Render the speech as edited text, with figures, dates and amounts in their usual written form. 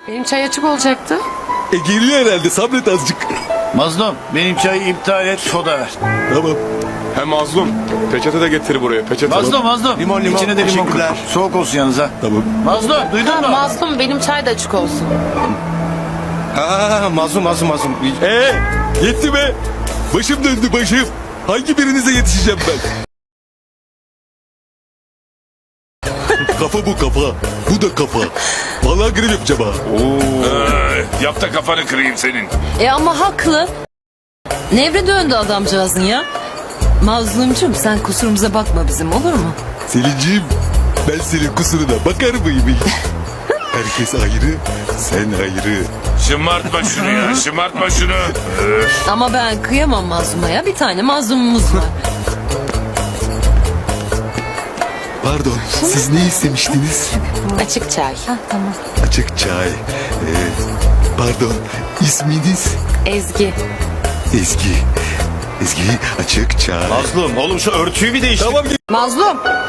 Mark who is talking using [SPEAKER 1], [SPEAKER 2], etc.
[SPEAKER 1] Benim çay açık olacaktı.
[SPEAKER 2] Geliyor herhalde, sabret azıcık.
[SPEAKER 3] Mazlum benim çayı iptal et, soda ver.
[SPEAKER 2] Tamam.
[SPEAKER 4] He mazlum. Peçete de getir buraya. Peçete.
[SPEAKER 3] Mazlum.
[SPEAKER 5] Limon,
[SPEAKER 3] İçine de limon koy.
[SPEAKER 5] teşekkürler.
[SPEAKER 3] Soğuk olsun yanınıza.
[SPEAKER 2] Tamam.
[SPEAKER 3] Mazlum duydun mu?
[SPEAKER 1] Mazlum benim çay da açık olsun.
[SPEAKER 5] Ha, mazlum.
[SPEAKER 2] Yetti be. Başım döndü başım. Hangi birinize yetişeceğim ben? Kafa bu kafa. Bu da kafa. Vallahi grev yapacağım ha.
[SPEAKER 6] Yap da kafanı kırayım senin.
[SPEAKER 7] Ama haklı. Nevre döndü adamcağızın ya. Mazlumcum sen kusurumuza bakma bizim, olur mu?
[SPEAKER 2] Selinciğim, ben senin kusuruna bakar mıyım? Herkes ayrı, sen ayrı.
[SPEAKER 6] Şımartma şunu ya, şımartma şunu.
[SPEAKER 7] Ama ben kıyamam mazluma ya. Bir tane mazlumumuz var.
[SPEAKER 2] Pardon, siz ne istemiştiniz?
[SPEAKER 1] Açık çay.
[SPEAKER 2] Açık çay. Pardon, isminiz?
[SPEAKER 1] Ezgi.
[SPEAKER 2] Ezgi. Ezgi, açık çay.
[SPEAKER 5] Mazlum oğlum şu örtüyü bir değiştir.
[SPEAKER 2] Tamam,
[SPEAKER 1] Mazlum.